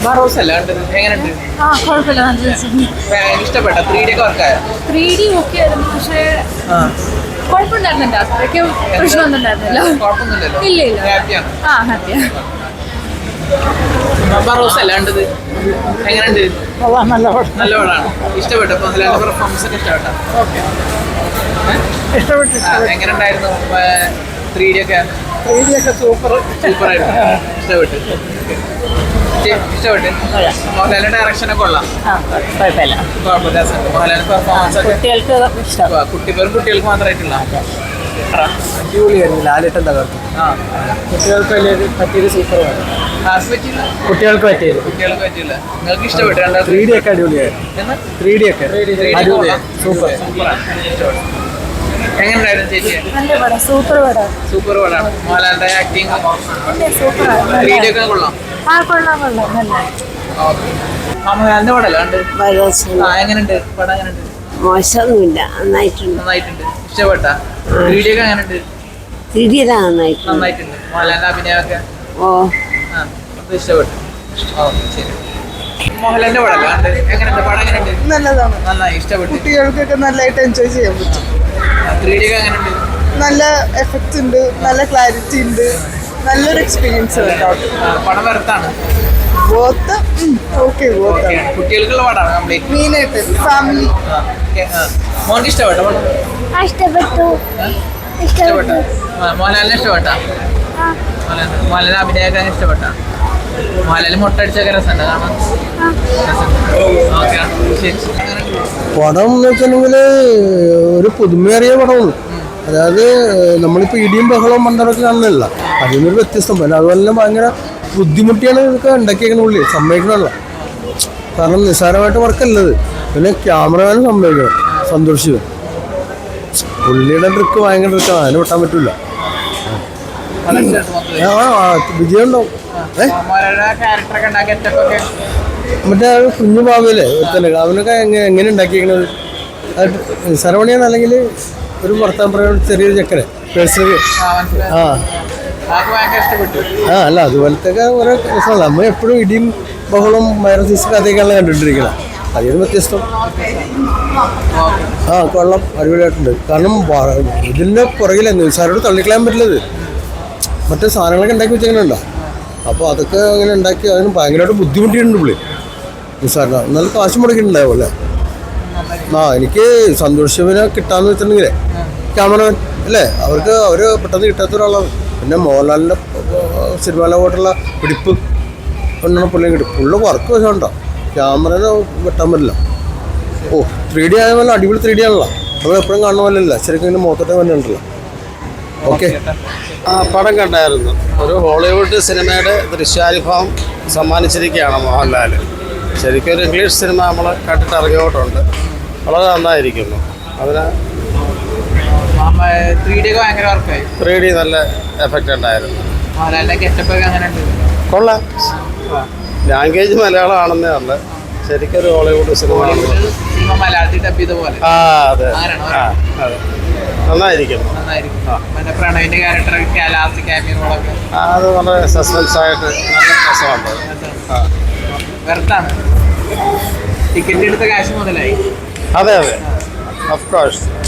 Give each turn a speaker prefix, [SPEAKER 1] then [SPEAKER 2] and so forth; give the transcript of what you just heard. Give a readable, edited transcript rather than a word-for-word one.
[SPEAKER 1] ബറോസ് അല്ല കണ്ടത്, എങ്ങനെയുണ്ട്?
[SPEAKER 2] കുഴപ്പമില്ല, നല്ല
[SPEAKER 1] ഇഷ്ടപ്പെട്ട 3D ഒക്കെ വർക്കായോ?
[SPEAKER 2] 3D ഓക്കെ ആയിരുന്നു, പക്ഷേ കുഴപ്പമുണ്ടായിരുന്നില്ല, അത്രയ്ക്ക് പ്രശ്നമൊന്നും ഉണ്ടായിരുന്നില്ല.
[SPEAKER 1] കുഴപ്പമൊന്നുമില്ലല്ലോ,
[SPEAKER 2] ഇല്ല ഇല്ല,
[SPEAKER 1] ഹാപ്പിയാണ്.
[SPEAKER 2] ഹാപ്പിയാണ്.
[SPEAKER 1] ബറോസ് അല്ല കണ്ടത്, എങ്ങനെയുണ്ട്? നല്ല പടമാണ്. ഇഷ്ടപ്പെട്ടു, മോഹൻലാലിന്റെ പെർഫോമൻസ് ഒക്കെ ഇഷ്ടപ്പെട്ടു. എങ്ങനെയുണ്ടായിരുന്നു 3D ഒക്കെ?
[SPEAKER 3] 3D ഒക്കെ
[SPEAKER 1] സൂപ്പറായിരുന്നു, ഇഷ്ടപ്പെട്ടു. മോഹൻലാലിന്റെ ഡയറക്ഷൻ ഒക്കെ കൊള്ളാം,
[SPEAKER 2] കുഴപ്പമില്ല.
[SPEAKER 1] മോഹൻലാലിന്റെ പെർഫോമൻസ് ഒക്കെ കുട്ടികൾക്ക് മാത്രമായിട്ടുള്ള
[SPEAKER 3] അടിപൊളിയായിരുന്നു. ലാലേട്ടൻ തകർത്തു. കുട്ടികൾക്ക് പറ്റിയത് സൂപ്പറാണ്. കുട്ടികൾക്ക് പറ്റിയത്
[SPEAKER 1] നിങ്ങൾക്ക് ഇഷ്ടപ്പെട്ടു?
[SPEAKER 3] 3D ഒക്കെ അടിപൊളിയായിരുന്നു. 3D ഒക്കെ അടിപൊളിയാണ്, സൂപ്പർ.
[SPEAKER 1] എങ്ങനെയുണ്ടായിരുന്നു ചേച്ചി?
[SPEAKER 2] നല്ല പടം, സൂപ്പർ പടം.
[SPEAKER 1] സൂപ്പർ പടമാണ്. മോഹൻലാലിന്റെ ആക്ടിങ്
[SPEAKER 2] സൂപ്പറാണ്.
[SPEAKER 1] 3D ഒക്കെ കൊള്ളാം.
[SPEAKER 2] കൊള്ളാം, നല്ല.
[SPEAKER 1] മോഹൻലാലിന്റെ പടമല്ല കണ്ട്? എങ്ങനെയുണ്ട് പടം? എങ്ങനെയുണ്ട്?
[SPEAKER 4] മോശമൊന്നുമില്ല, നന്നായിട്ടുണ്ട്.
[SPEAKER 1] ഇഷ്ടപ്പെട്ട 3D ഒക്കെ എങ്ങനെയുണ്ട്? നന്നായിട്ടുണ്ട്. മോഹൻലാലിന്റെ അഭിനയമൊക്കെ ഇഷ്ടപ്പെട്ടു. ശരി. മോഹൻലാലിന്റെ പടമല്ല കണ്ട്? എങ്ങനെയുണ്ട് പടം? എങ്ങനെയുണ്ട്?
[SPEAKER 3] നല്ലതാണ്,
[SPEAKER 1] നന്നായി ഇഷ്ടപ്പെട്ടു.
[SPEAKER 3] കുട്ടികൾക്കൊക്കെ നല്ലതായിട്ട് എൻജോയ് ചെയ്യാൻ പറ്റും.
[SPEAKER 1] 3D ഒക്കെ എങ്ങനെയുണ്ട്?
[SPEAKER 3] നല്ല എഫക്ട്സ് ഉണ്ട്, നല്ല ക്ലാരിറ്റി ഉണ്ട്, നല്ലൊരു എക്സ്പീരിയൻസ്
[SPEAKER 1] പടം വരത്താണ്. കുട്ടികൾക്കുള്ള പടമാണ് കംപ്ലീറ്റ്.
[SPEAKER 3] മെയിനായിട്ട് ഫാമിലി.
[SPEAKER 1] മോർക്ക് ഇഷ്ടപ്പെട്ട പടം? ഇഷ്ടപ്പെട്ട മോഹൻലാലിനെ ഇഷ്ടപ്പെട്ട? മോഹൻലാലിന്റെ അഭിനയൊക്കെ ഇഷ്ടപ്പെട്ട? മോഹൻലാലിന് മുട്ടടിച്ചൊക്കെ രസമുണ്ട് കാണാൻ?
[SPEAKER 5] പടം എന്ന് വെച്ചിട്ടുണ്ടെങ്കിൽ ഒരു പുതുമേറിയ പടമാണ്. അതായത് നമ്മളിപ്പോൾ ഇടിയും ബഹളവും മണ്ടറൊക്കെ കാണുന്നില്ല, അതിൽ നിന്നൊരു വ്യത്യസ്തം. പിന്നെ അതുപോലെ തന്നെ ഭയങ്കര ബുദ്ധിമുട്ടിയാണ് ഇതൊക്കെ ഉണ്ടാക്കിയേക്കുന്ന പുള്ളി, സമ്മതിക്കണമല്ല. കാരണം നിസ്സാരമായിട്ട് വർക്കല്ലത്. പിന്നെ ക്യാമറമാനും സമ്മതിക്കണം, സന്തോഷിച്ചു. പുള്ളിയുടെ ട്രിക്ക് ഭയങ്കര ട്രിക്കാണ്, അതിന് വിട്ടാൻ പറ്റില്ല. വിജയം ഉണ്ടാവും. മറ്റേ ആ കുഞ്ഞു പാവല്ലേ തന്നെ, അവനൊക്കെ എങ്ങനെ ഉണ്ടാക്കിയേക്കണത്? നിസ്സാരമണിയാണ്, അല്ലെങ്കിൽ ഒരു ഭർത്താൻ പറയുന്ന ചെറിയൊരു ചക്കര പേഴ്സണൽ. അല്ല അതുപോലത്തെ ഓരോ രസമാണ്. നമ്മൾ എപ്പോഴും ഇടിയും ബഹളവും വൈറസീസ് കഥയൊക്കെയാണ് കണ്ടിട്ടിരിക്കണം, അതിന് വ്യത്യസ്തം. കൊള്ളാം, അടിപൊളിയായിട്ടുണ്ട്. കാരണം ഇതിൻ്റെ പുറകിലെ നിസ്സാരോട് തള്ളിക്കളയാൻ പറ്റില്ലത്. മറ്റേ സാധനങ്ങളൊക്കെ ഉണ്ടാക്കി വെച്ചെങ്ങനെയുണ്ടോ, അപ്പോൾ അതൊക്കെ അങ്ങനെ ഉണ്ടാക്കി അതിന് ഭയങ്കരമായിട്ട് ബുദ്ധിമുട്ടിയിട്ടുണ്ട് പുള്ളി. നിസ്സാരന നല്ല കാശ് മുടക്കിയിട്ടുണ്ടാവും അല്ലേ. എനിക്ക് സന്തോഷിനെ കിട്ടാന്ന് വെച്ചിട്ടുണ്ടെങ്കിലേ ക്യാമറമാൻ അല്ലേ, അവർ പെട്ടെന്ന് കിട്ടാത്ത ഒരാളാണ്. പിന്നെ മോഹൻലാലിൻ്റെ സിനിമയിലോട്ടുള്ള പിടിപ്പ് കൊണ്ടാണ് പുള്ളിയെ കിട്ടും. പുള്ളി വർക്ക് വെച്ചോണ്ടോ ക്യാമറനെ വെട്ടാൻ പറ്റില്ല. 3D ആയപോലെ അടിപൊളി 3D ആണല്ലോ, നമ്മൾ എപ്പോഴും കാണുന്ന പോലെ അല്ല, ശരിക്കും ഇതിൻ്റെ മുഖത്തോട്ടേ തന്നെ ഉണ്ടല്ലോ. ഓക്കെ.
[SPEAKER 6] പടം കണ്ടായിരുന്നു. ഒരു ഹോളിവുഡ് സിനിമയുടെ ദൃശ്യാനുഭവം സമ്മാനിച്ചിരിക്കുകയാണ് മോഹൻലാൽ. ശരിക്കും ഒരു ഇംഗ്ലീഷ് സിനിമ നമ്മൾ കണ്ടിട്ട് ഇറങ്ങിയോട്ടുണ്ട്, വളരെ നന്നായിരിക്കുന്നു. അതിന് 3D നല്ല എഫക്റ്റ് ഉണ്ടായിരുന്നു. കൊള്ളാം. ലാംഗ്വേജ് മലയാളമാണെന്നേ ഉള്ളു, ശരിക്കും ഒരു ഹോളിവുഡ് സിനിമ. അതെ, നന്നായിരിക്കുന്നു. അത് വളരെ സസ്പെൻസ് ആയിട്ട് നല്ല രസമുണ്ട്.
[SPEAKER 1] ടിക്കറ്റ് എടുത്ത കാശ് മുതലായി.
[SPEAKER 6] അതെ, ഓഫ് കോഴ്സ്.